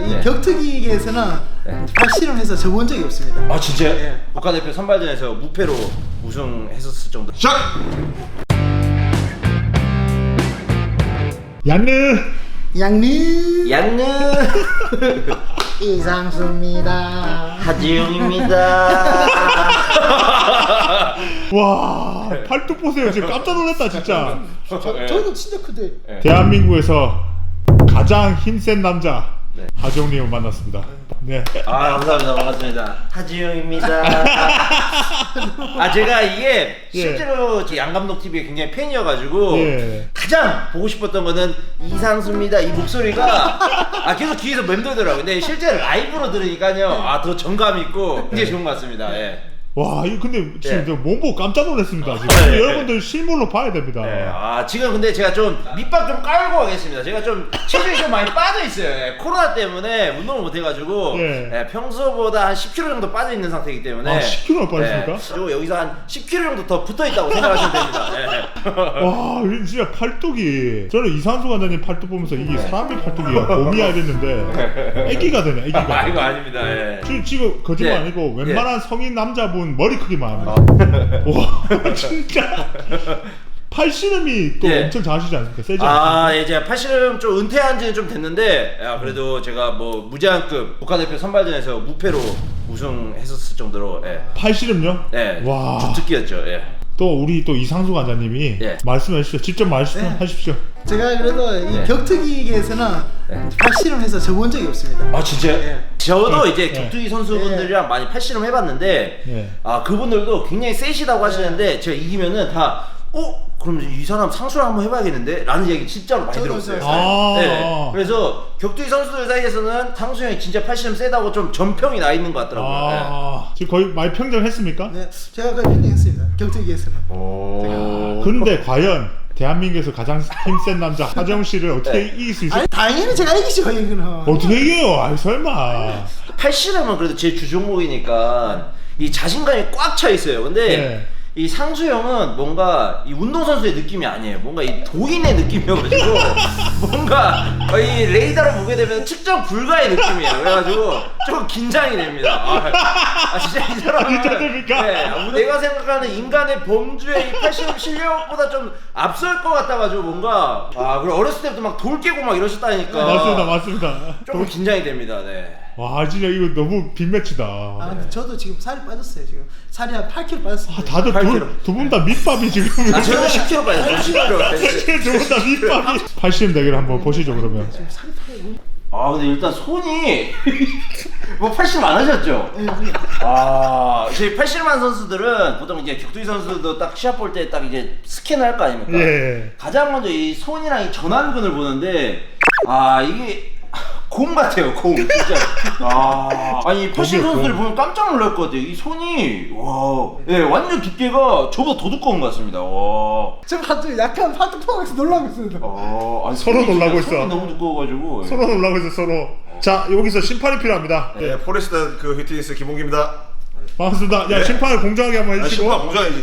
이 격투기계에서는 발실험해서 져본 적이 없습니다. 아 진짜요? 예. 국가대표 선발전에서 무패로 우승했었을 정도. 시작! 양느 이상수입니다. 하지용입니다. 와, 팔뚝 보세요. 지금 깜짝 놀랐다 진짜. 저도 진짜 크대. 대한민국에서 가장 힘센 남자 하지용님을 만났습니다. 네. 아 감사합니다. 반갑습니다. 하지용입니다. 아 제가 이게 실제로 양 감독 TV에 굉장히 팬이어가지고 가장 보고 싶었던 거는 이상수입니다. 이 목소리가 계속 귀에서 맴돌더라고요. 근데 실제 라이브로 들으니까요, 더 정감 있고 굉장히 좋은 것 같습니다. 예. 와, 이거 근데 지금 저 몸보고 깜짝 놀랐습니다. 지금 여러분들 실물로 봐야 됩니다. 지금 근데 제가 좀 밑밥 좀 깔고 가겠습니다. 제가 좀 체중이 좀 많이 빠져 있어요. 코로나 때문에 운동을 못 해가지고 평소보다 한 10kg 정도 빠져 있는 상태이기 때문에. 10kg나 빠졌습니까? 그리고 여기서 한 10kg 정도 더 붙어 있다고 생각하시면 됩니다. 와, 진짜 팔뚝이, 저는 이상수 관장님 팔뚝 보면서 이게 사람의 팔뚝이야 곰이야 이랬는데 애기가 되네, 애기가. 이거 아닙니다. 지금 거짓말 아니고 웬만한 성인 남자분 머리 크기만 합니다. 와, 진짜 팔씨름이 또 엄청 잘하시지 않습니까? 세지 않습니까? 제가 팔씨름 좀 은퇴한 지는 좀 됐는데, 그래도 제가 뭐 무제한급 국가대표 선발전에서 무패로 우승했었을 정도로. 팔씨름요? 와, 주특기였죠. 또 우리 또 이상수 관장님이 말씀해 주십시오. 직접 말씀하십시오. 제가 그래도 이 격투기계에서는 발실험해서 져본 적이 없습니다. 아 진짜요? 저도 이제 격투기 선수분들이랑 많이 팔씨름 해봤는데 그분들도 굉장히 세시다고 하시는데 제가 이기면은 다 그럼 이 사람 상수를 한번 해봐야겠는데? 라는 얘기 진짜로 많이 들었어요. 그래서 격투기 선수들 사이에서는 상수 형이 진짜 팔씨름 세다고 좀 전평이 나 있는 것 같더라고요. 지금 거의 많이 평정했습니까? 네, 제가 거의 평정했습니다. 격투기에서는. 근데 과연 대한민국에서 가장 힘센 남자 하정 씨를 어떻게 이길 수 있을까요? 아니 당연히 제가 이기죠 이거는. 어떻게 이겨요? 아이 설마. 팔씨름은 그래도 제 주종목이니까 이 자신감이 꽉 차 있어요. 근데 이 상수 형은 뭔가 이 운동선수의 느낌이 아니에요. 뭔가 이 도인의 느낌이어가지고 뭔가 이 레이더로 보게 되면 측정 불가의 느낌이에요. 그래가지고 좀 긴장이 됩니다. 진짜 이 사람은 긴장됩니까? 내가 생각하는 인간의 범주의 이 팔씨름 실력보다 좀 앞설 것 같아가지고 뭔가 그리고 어렸을 때부터 막 돌 깨고 막 이러셨다니까. 맞습니다. 조금 긴장이 됩니다. 와, 진짜 이거 너무 빅매치다. 근데 저도 지금 살이 빠졌어요. 지금 살이 한 8kg 빠졌어요. 다들 두 분 다 밑밥이 지금. 저는 10kg 빠졌어요. 10kg. 두 분 다 밑밥이. 팔씨름 대결 한번 보시죠 그러면. 지금 살이 타요. 근데 일단 손이 뭐 팔씨름 안 하셨죠? 저희 팔씨름한 선수들은 보통 이제 격투기 선수도 딱 시합 볼 때 딱 이제 스캔을 할 거 아닙니까? 가장 먼저 이 손이랑 이 전완근을 보는데 이게 곰 같아요, 곰 진짜. 아니 팔씨름 선수들 보면 깜짝 놀랄 것 같아요. 이 손이 완전 두께가 저보다 더 두꺼운 것 같습니다. 저 약간 팔뚝포항에서 놀라고 있습니다. 서로 놀라고 있어. 손이 너무 두꺼워가지고. 서로 놀라고 있어 서로. 자, 여기서 심판이 필요합니다. 포레스트 그 히트니스 김홍기입니다. 반갑습니다. 야, 심판을 공정하게 한번 해주시고. 심판 공정해야지.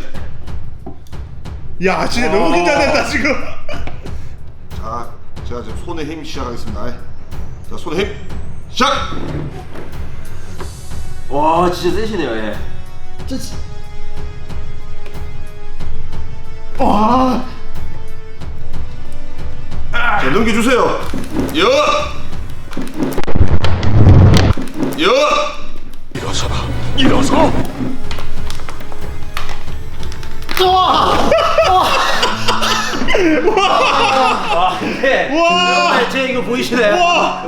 야, 진짜 너무 긴장된다 지금. 자, 제가 지금 손에 힘 시작하겠습니다. 자, 손에 힘 시작! 와, 진짜 세시네요. 자, 넘겨주세요. 일어서라. 일어서. 제 이거 보이시나요?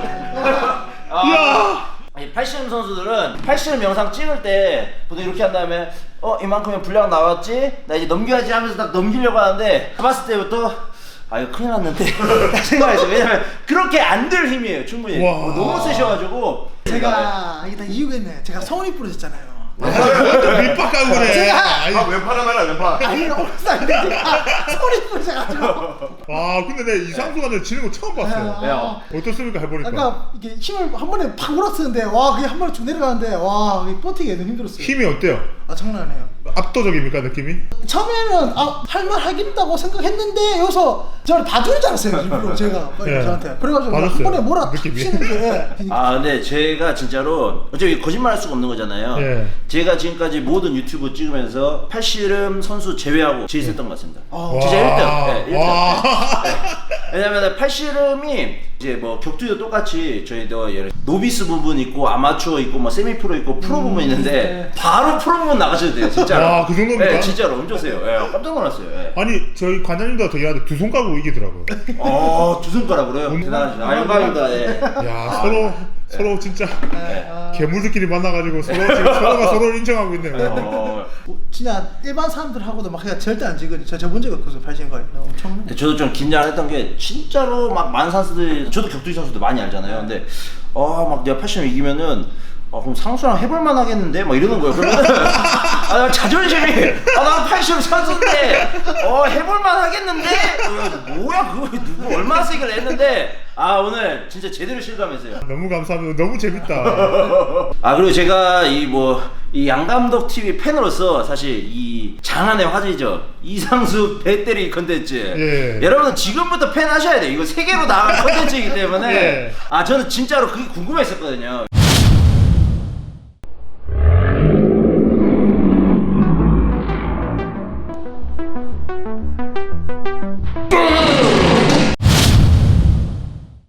야. 팔씨름 선수들은 팔씨름 영상 찍을 때 보통 이렇게 한 다음에 이만큼의 분량 나왔지? 나 이제 넘겨야지 하면서 딱 넘기려고 하는데 봤을 때부터 이거 큰일 났는데 딱 생각했어요. 왜냐면 그렇게 안 들 힘이에요. 충분히 너무 세셔가지고. 제가 이게 다 이유가 있네. 제가 성훈이 부러졌잖아요. 밑밥하고 그래. 왼팔 하나 왼팔. 아니 오른살인데 제가 성훈이 부러져가지고. 근데 내 이상수 관장 지는 거 처음 봤어요. 어떻습니까 해보니까? 아까 이게 힘을 한 번에 팍 몰았었는데 그게 한 번에 쭉 내려가는데 그게 버티기 너무 힘들었어요. 힘이 어때요? 아 장난 아니에요. 압도적입니까 느낌이? 처음에는 할만하겠다고 생각했는데 여기서 저를 봐주는 줄 알았어요 일부러 제가 예. 저한테. 그래가지고 한 맞았어요. 번에 몰아 느낌이. 치는 게 아 근데 제가 진짜로 어차피 거짓말할 수가 없는 거잖아요. 예. 제가 지금까지 모든 유튜브 찍으면서 팔씨름 선수 제외하고 제일 셌던 것 같습니다. 아. 진짜 1등. 네, 1등. 와. 왜냐면 팔씨름이 이제 뭐 격투도 똑같이 저희도 예를 노비스 부분 있고 아마추어 있고 뭐 세미 프로 있고 프로 부분 있는데 네. 바로 프로 부분 나가셔도 돼요 진짜로. 와, 그 정도입니까? 네, 진짜로 엄청 세요. 네, 깜짝 놀랐어요. 네. 아니 저희 관장님도 되게 하는데 두 손 까고 이기더라고요. 두 손가락으로요. 대단하시죠. 아 영광입니다. 예. 야 서로 진짜 네. 괴물들끼리 만나가지고 서로가 서로를 인정하고 있네요. 진짜 일반 사람들하고도 막 그냥 절대 안 지거든요. 저 본 적이 없어서 팔씨름 거의 엄청. 근데 저도 좀 긴장했던 게 진짜로 막 많은 선수들 저도 격투기 선수들 많이 알잖아요. 근데 막 내가 팔씨름 이기면은 그럼 상수랑 해볼만 하겠는데 막 이러는 거예요. 그러면 나 자존심이 나 팔씨름 선수인데 해볼만 하겠는데 뭐야 그거 누구 얼마나 세게 했는데 오늘 진짜 제대로 실감했어요. 너무 감사합니다. 너무 재밌다. 그리고 제가 이 양감독 TV 팬으로서 사실 이 장안의 화제죠. 이상수 배 때리기 컨텐츠. 예. 여러분 지금부터 팬 하셔야 돼요. 이거 세계로 나갈 컨텐츠이기 때문에 예. 저는 진짜로 그게 궁금했었거든요.